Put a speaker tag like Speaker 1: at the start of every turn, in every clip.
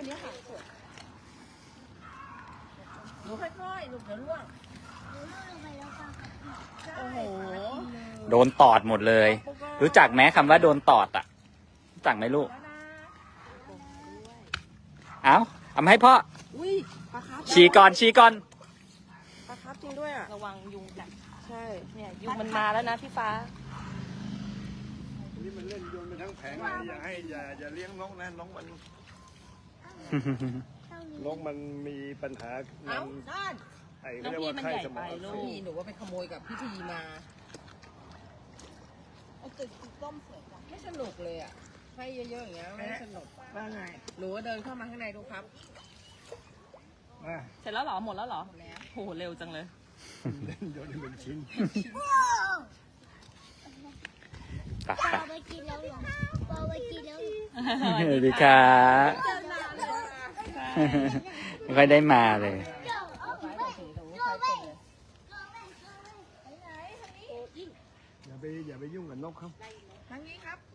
Speaker 1: คนนี้ค่ะหนูค่อยๆลูกเดี๋ยวร่วงโอ้โห
Speaker 2: โดนตอดหมดเลย รู้จักไหมคำว่าโดนตอดอ่ะรู้จักไหมลูกเอามาให้พ่อ
Speaker 1: อุ้ยปลาคาร์ฟ
Speaker 2: ชี้ก่อน
Speaker 1: ปลาคาร์ฟจริงด้วยอ่ะ
Speaker 3: ระวังยุงกัด
Speaker 1: ใช่
Speaker 3: เนี่ยยุงมันมาแล้วนะพี่ฟ้า
Speaker 4: นี่มันเล่นโยนไปทั้งแผงเลยอย่าเลี้ยงนกนะนกมันมีปัญหานั่นไอ้เรียกว่าไข้สมองอักเสบ
Speaker 1: พี่หนูว่าไปขโมยกับพี่ทีมาเอาตึกต้มเสร็จไม่สนุกเลยอ่ะให้เยอะๆอย่างเงี้ยไม่สนุกว่าไงหนูเดินเข้ามาข้างในดูครับ
Speaker 3: เสร็จแล้วเหรอหมดแล้วเหรอโหเร็วจังเลย
Speaker 4: เล่นโยนเป็นชิ้น
Speaker 2: ไปสวัสดีครับไม่ค่อยได้มาเลย
Speaker 4: อย่าไปยุ่งกับนกเขา
Speaker 1: ทางนี้ครับ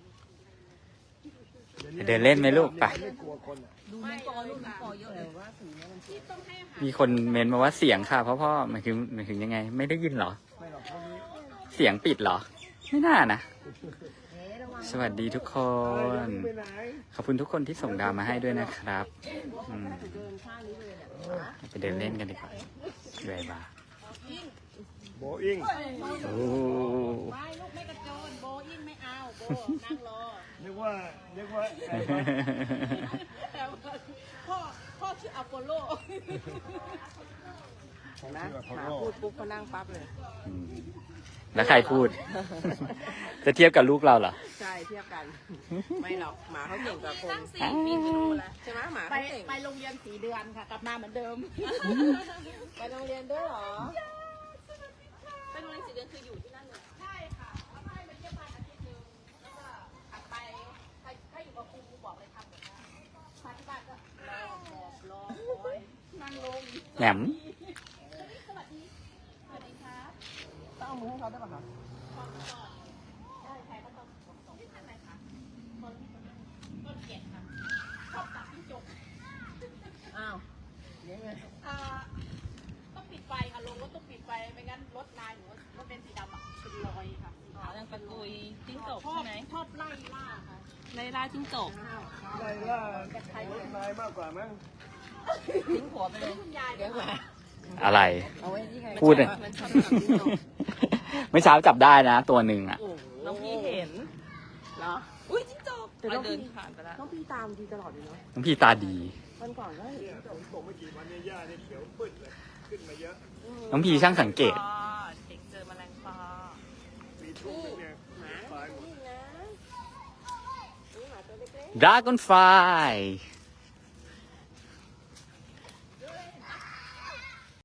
Speaker 2: เดินเล่นไหมลูกไป
Speaker 4: ไม่กลัวคนอ่ะ
Speaker 1: ดูน้ำปอลูกน้ำปอเยอะเลยว่าสีนี้มันต้องให้อาหาร
Speaker 2: มีคนเมนมาว่าเสียงค่ะพ่อหมายถึงยังไง ไม่ได้ยินเหรอ
Speaker 4: ไม่หรอกพวกนี้
Speaker 2: เสียงปิดเหรอ ไม่น่านะ สวัสดีทุกคน
Speaker 4: ไปไหน
Speaker 2: ขอบคุณทุกคนที่ส่งดาวมาให้ด้วยนะครับไปเดินเล่นกันดีกว่าด้วยบ้า
Speaker 4: โบอิง
Speaker 2: โอ้
Speaker 1: ไม่ลูกไม่กระโจนโบอินไม่เอาโบนั่งรอ
Speaker 4: นึกว่าไอ้
Speaker 1: พ่อชื่ออัปโปโลเห็นไหมหมาพูดปุ๊บเขานั่งปั๊บเลย
Speaker 2: แล้วใครพูด จะเทียบกับลูกเราเหรอ
Speaker 1: ใช่เทียบกัน ไม่หรอกหมาเขาเก่งกว่าคน4 ปีก็รู้แล้วใช่ไหมหมาเขาเก่งไปโรงเรียน4 เดือนค่ะกลับมาเหมือนเดิม ไปโรงเรียนด้วยเหรอ
Speaker 3: เป็นวัน4 เดือนคืออยู่ที่นั่นเลย
Speaker 1: ใช่ค่ะแล้วให้มาเยี่ยมบ้านอาทิตย์นึงแล้วก็ถัดไปถ้าอยู่กับครูบอกเลยทำแบบนั้นมาที่บ้านก็รอคอยนั่งลง
Speaker 2: แหนม
Speaker 1: สวัสดีครับต้องเอามือให้เขาได้ป่ะคะได้ใครก็ต้องส่งที่ทางไหนคะต้นเกียรติค่ะชอบตัดที่จบอ้าวยังไงต้องปิดไฟค่ะลงรถต้องปิดไฟไม่งั้นรถนายหนูรถเป็นสีดำอ่ะเป็นรอยค่ะ
Speaker 3: อ๋อยังเป็นลุยจิ้งจก
Speaker 1: ชอ
Speaker 3: ใช่
Speaker 1: บ
Speaker 3: ไหม
Speaker 1: ชอบไล่ล่าค่ะ
Speaker 3: ไล่ล่าจิ้งจก
Speaker 4: ไล่ล่ารถนายมากกว่ามั้ง
Speaker 3: ทิ้งหัวไปเลย
Speaker 1: คุณยายเลี้ยงหมา
Speaker 2: อะไร
Speaker 1: เอาไว้ที่ไง
Speaker 2: พูดเลย
Speaker 3: มันชอบตัดจิ้งจก
Speaker 2: เมื่อเช้าจับได้นะ ตัวหนึ่งอ่ะ
Speaker 3: น้องพี่เห็น
Speaker 1: เหรอ
Speaker 3: อุ้ยจิ้งจกเดินผ่านไปแล้ว
Speaker 1: น้องพี่ตามทีตลอดเลยเนาะ
Speaker 2: น้องพี่ตาดี
Speaker 1: วันก่อนก็เห็น
Speaker 4: เนี่ยผมตกไม่กี่วันเนี่ยหญ้าเนี่ยเขียวปื้ดเลยขึ้นมาเยอะ
Speaker 2: น้องพี่ช่างสังเกต
Speaker 3: เด็กเจอแมลงปอ
Speaker 4: มีทุ่งเนี่ยไฟหมด
Speaker 1: นี่นะนี่หมาตัวเล็ก
Speaker 2: Dragonfly